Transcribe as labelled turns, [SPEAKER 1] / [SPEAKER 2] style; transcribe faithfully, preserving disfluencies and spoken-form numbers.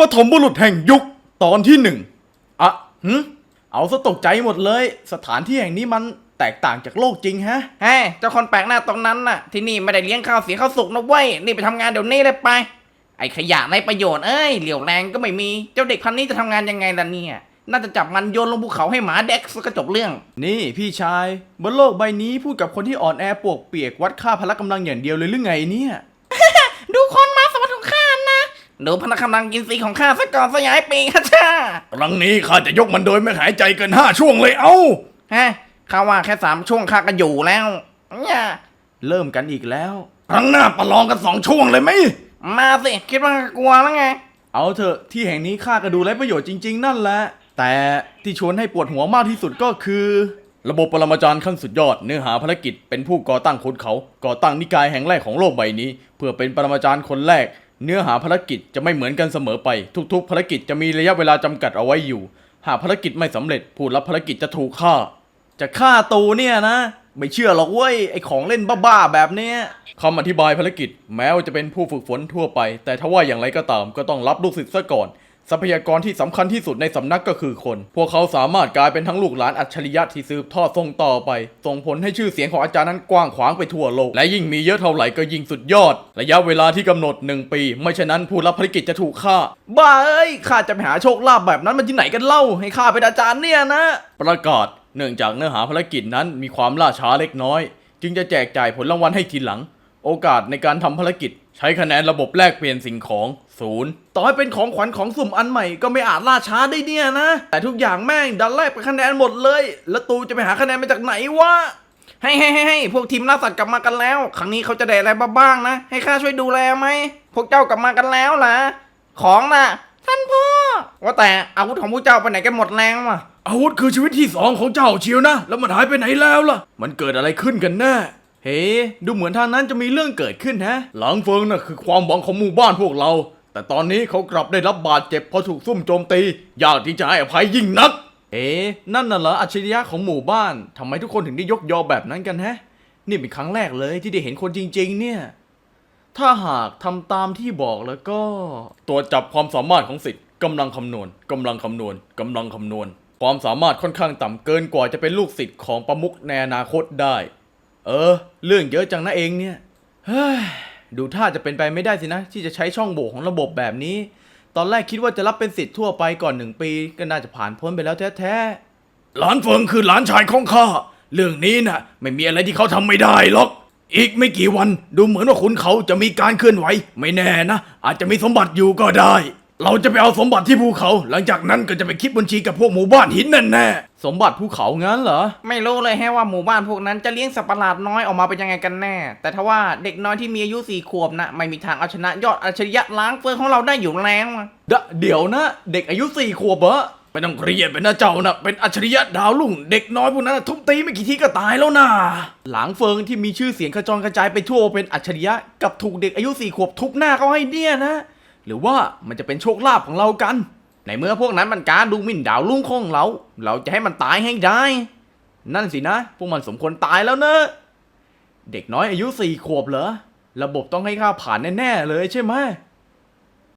[SPEAKER 1] ปฐมบุรุษแห่งยุคตอนที่หนึ่งอะหืมเอาซะตกใจหมดเลยสถานที่แห่งนี้มันแตกต่างจากโลกจริงฮะ
[SPEAKER 2] เฮ้ยเจ้าคนแปลกหน้าตรงนั้นน่ะที่นี่ไม่ได้เลี้ยงข้าวเสียข้าวสุกนะเว้ยนี่ไปทำงานเดี๋ยวนี้เลยไปไอ้ขยะไรประโยชน์เอ้ยเหลี่ยวแรงก็ไม่มีเจ้าเด็กพันนี้จะทำงานยังไงล่ะเนี่ยน่าจะจับมันโยนลงภูเขาให้หมาเด็กก็จบเรื่อง
[SPEAKER 1] นี่พี่ชายบนโลกใบนี้พูดกับคนที่อ่อนแอปวกเปียกวัดค่าพละกำลังอย่างเดียวเลยหรือไงเนี่ย
[SPEAKER 2] ดูคนมาสมบัติของข้านะดูพละกำลังกินสีของข้าซะก่อนสยายปีกฮะจ้า
[SPEAKER 1] ครั้งนี้ข้าจะยกมันโดยไม่หายใจเกินห้าช่วงเลยเอ้า
[SPEAKER 2] ฮะข้าว่าแค่สามช่วงข้าก็อยู่แล้วเนี่ย
[SPEAKER 1] เริ่มกันอีกแล้วครั้งหน้าประลองกันสองช่วงเลยไหม
[SPEAKER 2] มาสิคิดว่ากลัวแล้วไง
[SPEAKER 1] เอาเถอะที่แห่งนี้ข้าก็ดูไร้ประโยชน์จริงๆนั่นแหละแต่ที่ชวนให้ปวดหัวมากที่สุดก็คือระบบปรมาจารย์ขั้นสุดยอดเนื้อหาภารกิจเป็นผู้ก่อตั้งคนเขาก่อตั้งนิกายแห่งแรกของโลกใบนี้เพื่อเป็นปรมาจารย์คนแรกเนื้อหาภารกิจจะไม่เหมือนกันเสมอไปทุกๆภารกิจจะมีระยะเวลาจำกัดเอาไว้อยู่หากภารกิจไม่สำเร็จผู้รับภารกิจจะถูกฆ่าจะฆ่าตูเนี่ยนะไม่เชื่อหรอกเว้ยไอของเล่นบ้าๆแบบเนี้ยคำอธิบายภารกิจแม้ว่าจะเป็นผู้ฝึกฝนทั่วไปแต่ถ้าว่าอย่างไรก็ตามก็ต้องรับลูกศิษย์ซะก่อนทรัพยากรที่สำคัญที่สุดในสำนักก็คือคนพวกเขาสามารถกลายเป็นทั้งลูกหลานอัจฉริยะที่สืบทอดส่งต่อไปส่งผลให้ชื่อเสียงของอาจารย์นั้นกว้างขวางไปทั่วโลกและยิ่งมีเยอะเท่าไหร่ก็ยิ่งสุดยอดระยะเวลาที่กำหนดหนึ่งปีไม่เช่นนั้นผู้รับภารกิจจะถูกฆ่าบ้าเอ้ยข้าจะไปหาโชคลาภแบบนั้นมันที่ไหนกันเล่าให้ข้าเป็นอาจารย์เนี่ยนะประกาศเนื่องจากเนื้อหาภารกิจนั้นมีความล่าช้าเล็กน้อยจึงจะแจกจ่ายผลรางวัลให้ทีหลังโอกาสในการทำภารกิจใช้คะแนนระบบแลกเปลี่ยนสิ่งของศูนย์ต่อให้เป็นของขวัญของสุ่มอันใหม่ก็ไม่อาจล่าช้าได้เนี่ยนะแต่ทุกอย่างแม่งดันแลกเป็นคะแนนหมดเลยแล้วตูจะไปหาคะแนนมาจากไหนวะ
[SPEAKER 2] ให้ให้ให้พวกทีมล่าสัตว์กลับมากันแล้วครั้งนี้เขาจะได้อะไรบ้างนะให้ข้าช่วยดูแลไหมพวกเจ้ากลับมากันแล้วล่ะของน่ะท่านพ่อว่าแต่อาวุธของพวกเจ้าไปไหนกันหมดแล้ววะ
[SPEAKER 1] อาวุธคือชีวิตที่สองของเจ้าเชียวนะแล้วมันหายไปไหนแล้วล่ะมันเกิดอะไรขึ้นกันแน่เฮ้ดูเหมือนทางนั้นจะมีเรื่องเกิดขึ้นฮะหลังเฟิงน่ะคือความหวังของหมู่บ้านพวกเราแต่ตอนนี้เขากลับได้รับบาดเจ็บเพราะถูกซุ่มโจมตียากที่จะให้อภัยยิ่งนักเอ๊นั่นน่ะเหรออัจฉริยะของหมู่บ้านทำไมทุกคนถึงได้ยกยอแบบนั้นกันฮะนี่เป็นครั้งแรกเลยที่ได้เห็นคนจริงๆเนี่ยถ้าหากทำตามที่บอกแล้วก็ตรวจจับความสามารถของศิษย์กำลังคำนวณกำลังคำนวณกำลังคำนวณความสามารถค่อนข้างต่ำเกินกว่าจะเป็นลูกศิษย์ของประมุขในอนาคตได้เออเรื่องเยอะจังนะเองเนี่ยเฮ้ยดูท่าจะเป็นไปไม่ได้สินะที่จะใช้ช่องโหว่ของระบบแบบนี้ตอนแรกคิดว่าจะรับเป็นศิษย์ทั่วไปก่อนหนึ่งปีก็น่าจะผ่านพ้นไปแล้วแท้ๆหลานเฟิงคือหลานชายของข้าเรื่องนี้น่ะไม่มีอะไรที่เขาทำไม่ได้หรอกอีกไม่กี่วันดูเหมือนว่าคุณเขาจะมีการเคลื่อนไหวไม่แน่นะอาจจะมีสมบัติอยู่ก็ได้เราจะไปเอาสมบัติที่ภูเขาหลังจากนั้นก็จะไปคิดบัญชีกับพวกหมู่บ้านหินนั่นแน่สมบัติภูเขางั้นเหรอ
[SPEAKER 2] ไม่รู้เลยแฮะว่าหมู่บ้านพวกนั้นจะเลี้ยงสัตว์ประหลาดน้อยออกมาเป็นยังไงกันแน่แต่ถ้าว่าเด็กน้อยที่มีอายุสี่ขวบนะไม่มีทางเอาชนะยอดอัจฉริยะล้างเฟิงของเราได้อยู่แล้ว
[SPEAKER 1] เดี๋ยวนะเด็กอายุสี่ขวบเหรอไม่ต้องเครียดเป็นนะเจ้านะเป็นอัจฉริยะดาวลุ่งเด็กน้อยพวกนั้นทุบตีไม่กี่ทีก็ตายแล้วนะหลางเฟิงที่มีชื่อเสียงกระจรกระจายไปทั่วเป็นอัจฉริยะกับถูกเด็กอายุสี่ขวบทุบหน้าเขาให้เนี่ยนะหรือว่ามันจะเป็นโชคลาภของเรากัน
[SPEAKER 2] ในเมื่อพวกนั้นมันการดูหมิ่นดาวลุ่งของเราเราจะให้มันตายให้ได้
[SPEAKER 1] นั่นสินะพวกมันสมควรตายแล้วนะเด็กน้อยอายุสี่ขวบเหรอระบบต้องให้ข้าผ่านแน่ๆเลยใช่ไหม